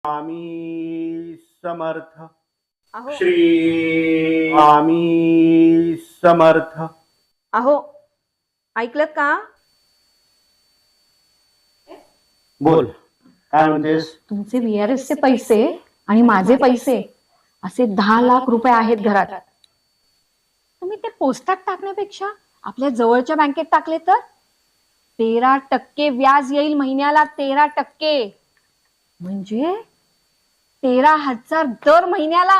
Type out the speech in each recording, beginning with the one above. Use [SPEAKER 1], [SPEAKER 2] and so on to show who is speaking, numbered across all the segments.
[SPEAKER 1] स्वामी समर्थ.
[SPEAKER 2] अहो
[SPEAKER 1] श्री स्वामी समर्थ.
[SPEAKER 2] अहो ऐकलं का?
[SPEAKER 1] बोल, काय म्हणतेस?
[SPEAKER 2] तुमचे VRS चे पैसे आणि माझे पैसे असे 10 लाख रुपये आहेत घरात. तुम्ही ते पोस्टात टाकण्यापेक्षा आपल्या जवळच्या बँकेत टाकले तर 13% व्याज येईल महिन्याला. 13% म्हणजे 13,000 दर महिन्याला.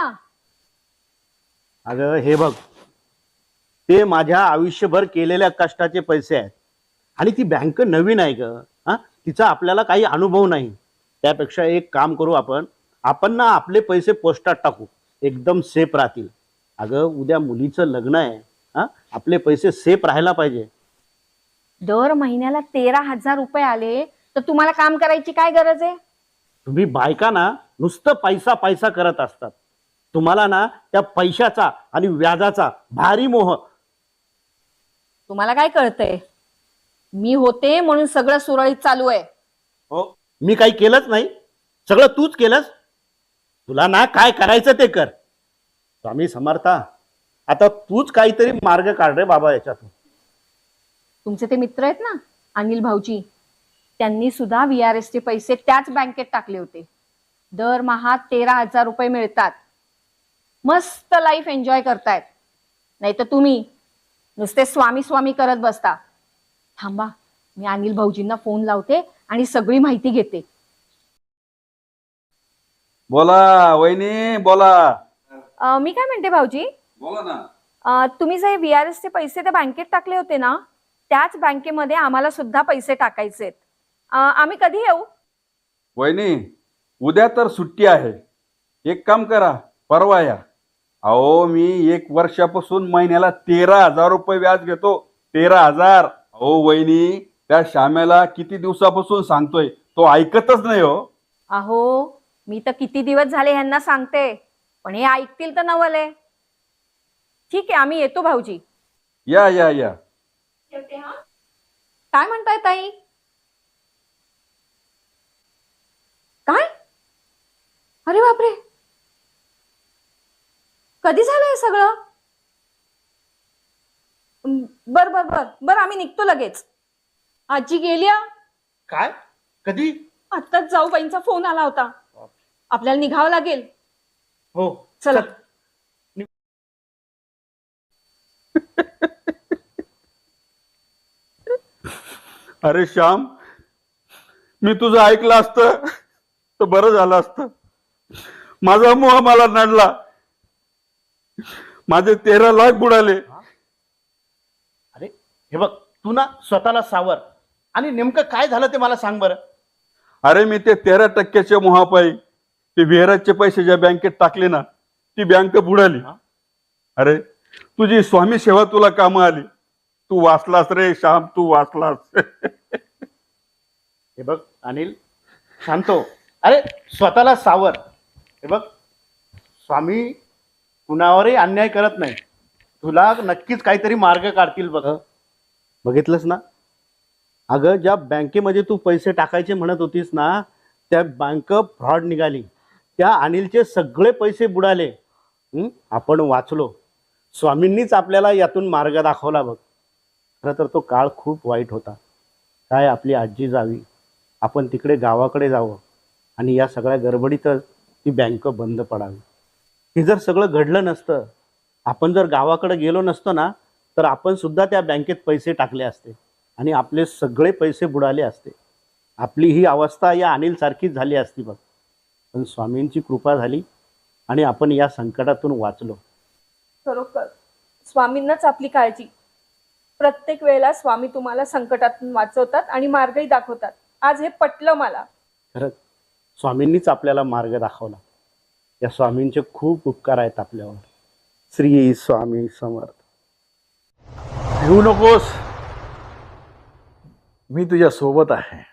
[SPEAKER 1] अगं हे बघ, ते माझ्या आयुष्यभर केलेल्या कष्टाचे पैसे आहेत आणि ती बँक नवीन आहे ग. तिचा आपल्याला काही अनुभव नाही. त्यापेक्षा एक काम करू, आपण ना आपले पैसे पोस्टात टाकू, एकदम सेफ राहतील. अगं उद्या मुलीचं लग्न आहे, आपले पैसे सेफ राहायला पाहिजे.
[SPEAKER 2] दर महिन्याला 13,000 रुपये आले तर तुम्हाला काम करायची काय गरज आहे?
[SPEAKER 1] तुम्ही बायका ना नुसतं पैसा पैसा करत असतात. तुम्हाला ना त्या पैशाचा आणि व्याजाचा भारी मोह.
[SPEAKER 2] तुम्हाला काय कळतंय? मी होते म्हणून सगळं सुरळीत चालू आहे.
[SPEAKER 1] हो, मी काही केलंच नाही, सगळं तूच केलंस. तुला ना काय करायचं ते कर. स्वामी समर्था, आता तूच काहीतरी मार्ग काढ रे बाबा याच्यातून.
[SPEAKER 2] तुमचे ते मित्र आहेत ना अनिल भाऊजी, त्यांनी सुद्धा VRS चे पैसे त्याच बँकेत टाकले होते. दरमहा 13,000 रुपये मिळतात. मस्त लाईफ एन्जॉय करतायत. नाही तर तुम्ही नुसते स्वामी स्वामी करत बसता. थांबा, मी अनिल भाऊजींना फोन लावते आणि सगळी माहिती घेते.
[SPEAKER 3] बोला वहिनी, बोला.
[SPEAKER 2] मी काय म्हणते भाऊजी,
[SPEAKER 3] बोला ना.
[SPEAKER 2] तुम्ही जे VRS चे पैसे त्या बँकेत टाकले होते ना, त्याच बँकेमध्ये आम्हाला सुद्धा पैसे टाकायचे आहेत. आम्ही कधी येऊ?
[SPEAKER 3] वहिनी, उद्या तर सुट्टी आहे. एक काम करा, परवा या. अहो मी 1 वर्षापासून महिन्याला 13,000 रुपये व्याज घेतो. 13,000. अहो वहिनी, त्या श्यामेला किती दिवसापासून सांगतोय, तो ऐकतच नाही हो.
[SPEAKER 2] अहो मी तर किती दिवस झाले ह्यांना सांगते, पण हे ऐकतील तर नवले. ठीक आहे, आम्ही येतो भाऊजी.
[SPEAKER 3] या या या.
[SPEAKER 2] काय म्हणताय ताई? काय? अरे बापरे, कधी झालं हे सगळं? बर बर बर बर, आम्ही निघतो लगेच. आजी गेल्या?
[SPEAKER 1] काय? कधी?
[SPEAKER 2] आत्ताच जाऊबाईंचा फोन आला होता. आपल्याला निघावं लागेल.
[SPEAKER 1] हो
[SPEAKER 2] चला.
[SPEAKER 3] अरे श्याम, मी तुझं ऐकलं असतं तर बरं झालं असतं. माझा मोह मला नडला. माझे 13 लाख बुडाले.
[SPEAKER 1] अरे हे बघ, तू ना स्वतःला सावर आणि नेमकं काय झालं ते मला सांग बरं.
[SPEAKER 3] अरे मी ते 13% मोहापायी ते VRS पैसे ज्या बँकेत टाकले ना, ती बँक बुडाली. अरे तुझी स्वामी सेवा तुला कामं आली. तू वाचलास रे श्याम, तू वाचलास.
[SPEAKER 1] हे बघ अनिल, शांतो. अरे स्वतःला सावर. हे बघ, स्वामी कुणावरही अन्याय करत नाही. तुला नक्कीच काहीतरी मार्ग काढतील बघ. बघितलंस ना, अगं ज्या बँकेमध्ये तू पैसे टाकायचे म्हणत होतीस ना, त्या बँक फ्रॉड निघाली. त्या अनिलचे सगळे पैसे बुडाले. आपण वाचलो. स्वामींनीच आपल्याला यातून मार्ग दाखवला बघ. खरं तर तो काळ खूप वाईट होता. काय आपली आजी जावी, आपण तिकडे गावाकडे जावं आणि या सगळ्या गडबडीतच ती बँक बंद पडावी. हे जर सगळं घडलं नसतं, आपण जर गावाकडे गेलो नसतो ना, तर आपण सुद्धा त्या बँकेत पैसे टाकले असते आणि आपले सगळे पैसे बुडाले असते. आपली ही अवस्था या अनिल सारखीच झाली असती बघ. पण स्वामींची कृपा झाली आणि आपण या संकटातून वाचलो.
[SPEAKER 2] खरोखर स्वामींनाच आपली काळजी. प्रत्येक वेळेला स्वामी तुम्हाला संकटातून वाचवतात आणि मार्गही दाखवतात. आज हे पटलं मला.
[SPEAKER 1] खरंच स्वामींनीच आपल्याला मार्ग दाखवला. या स्वामींचे खूप उपकार आहेत आपल्यावर. श्री स्वामी समर्थ.
[SPEAKER 4] भिवू नकोस, मी तुझ्या सोबत आहे.